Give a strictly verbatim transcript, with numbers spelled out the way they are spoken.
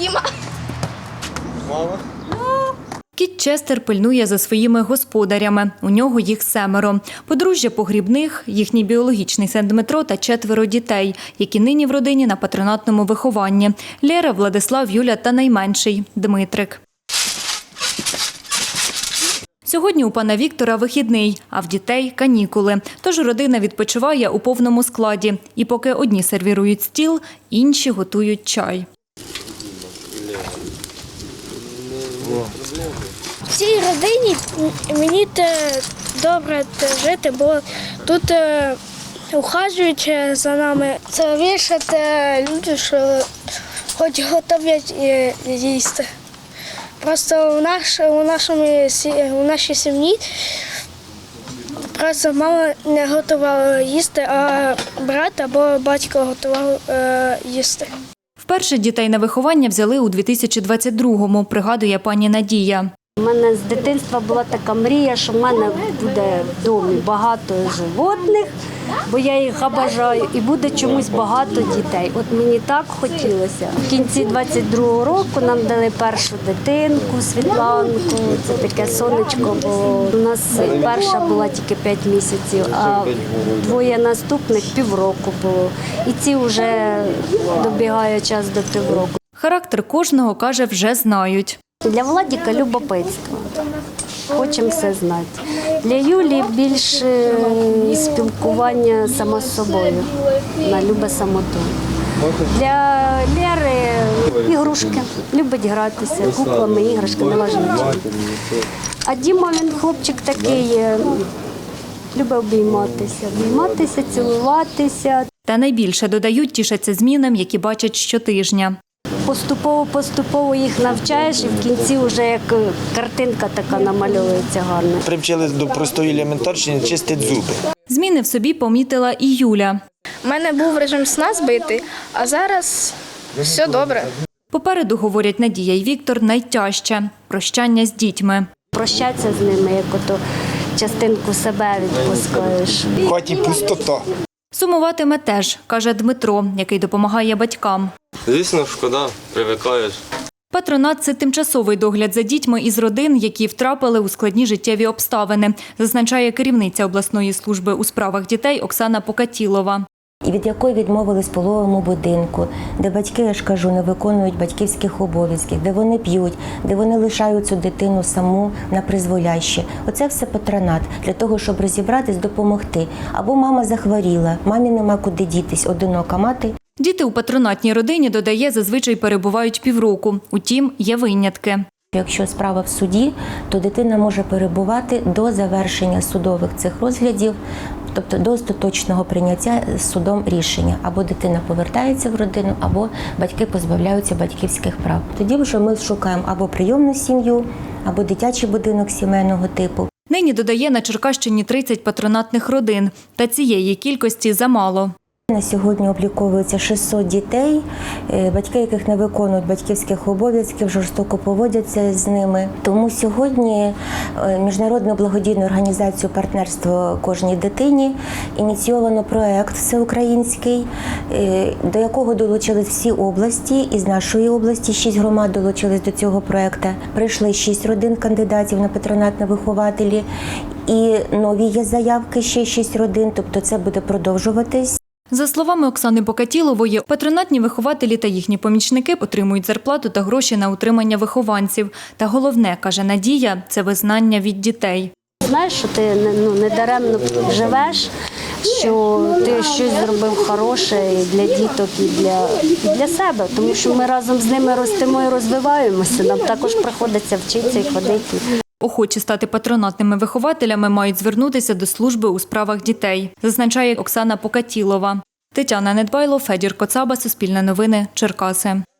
Діма. Мама. Кіт Честер пильнує за своїми господарями. У нього їх семеро. Подружжя Погрібних, їхній біологічний син Дмитро та четверо дітей, які нині в родині на патронатному вихованні. Лєра, Владислав, Юля та найменший – Дмитрик. Сьогодні у пана Віктора вихідний, а в дітей – канікули. Тож родина відпочиває у повному складі. І поки одні сервірують стіл, інші готують чай. В цій родині мені добре жити, бо тут ухажують за нами. Це вішать люди, що хоч готовлять їсти. Просто у, наш, у, нашому, у нашій сім'ї просто мама не готувала їсти, а брат або батько готував е, їсти. Вперше дітей на виховання взяли у дві тисячі двадцять другому, пригадує пані Надія. У мене з дитинства була така мрія, що в мене буде в домі багато животних, бо я їх обожаю, і буде чомусь багато дітей. От мені так хотілося. В кінці двадцять другого року нам дали першу дитинку, Світланку, це таке сонечко, бо у нас перша була тільки п'ять місяців, а двоє наступних півроку було. І ці вже добігає час до півроку. Характер кожного, каже, вже знають. Для Владіка – любопитство. Хочемо все знати. Для Юлі більше спілкування сама з собою. Вона любить самоту. Для Лєри – ігрушки. Любить гратися, куклами, іграшки, не важливо. А Діма, він хлопчик такий, любить обійматися. Обійматися, цілуватися. Та найбільше, додають, тішаться змінам, які бачать щотижня. Поступово-поступово їх навчаєш, і в кінці вже як картинка така намальовується гарна. Привчили до простої елементарщини чистити зуби. Зміни в собі помітила і Юля. У мене був режим сна збитий, а зараз все добре. Попереду, говорять Надія і Віктор, найтяжче – прощання з дітьми. Прощатися з ними, як ото частинку себе відпускаєш. В хаті пустота. Сумуватиме теж, каже Дмитро, який допомагає батькам. Звісно, шкода, привикаєш. Патронат – це тимчасовий догляд за дітьми із родин, які втрапили у складні життєві обставини, зазначає керівниця обласної служби у справах дітей Оксана Покатілова. І від якої відмовились в пологовому будинку, де батьки, я ж кажу, не виконують батьківських обов'язків, де вони п'ють, де вони лишають цю дитину саму на призволяще. Оце все патронат для того, щоб розібратись, допомогти. Або мама захворіла, мамі нема куди дітись, одинока мати. Діти у патронатній родині, додає, зазвичай перебувають півроку. Утім, є винятки. Якщо справа в суді, то дитина може перебувати до завершення судових цих розглядів, тобто до остаточного прийняття судом рішення. Або дитина повертається в родину, або батьки позбавляються батьківських прав. Тоді вже ми шукаємо або прийомну сім'ю, або дитячий будинок сімейного типу. Нині, додає, на Черкащині тридцять патронатних родин. Та цієї кількості замало. На сьогодні обліковується шістсот дітей, батьки, яких не виконують батьківських обов'язків, жорстоко поводяться з ними. Тому сьогодні Міжнародною благодійною організацією «Партнерство кожній дитині» ініційовано проєкт всеукраїнський, до якого долучились всі області. Із нашої області шість громад долучились до цього проєкту. Прийшли шість родин кандидатів на патронатні вихователі. І нові є заявки, ще шість родин, тобто це буде продовжуватись. За словами Оксани Покатілової, патронатні вихователі та їхні помічники отримують зарплату та гроші на утримання вихованців. Та головне, каже Надія, це визнання від дітей. Знаєш, що ти ну, не даремно живеш, що ти щось зробив хороше і для діток, і для, і для себе. Тому що ми разом з ними ростемо і розвиваємося, нам також приходиться вчитися і ходити. Охочі стати патронатними вихователями мають звернутися до служби у справах дітей, зазначає Оксана Покатілова. Тетяна Недбайло, Федір Коцаба, Суспільне новини, Черкаси.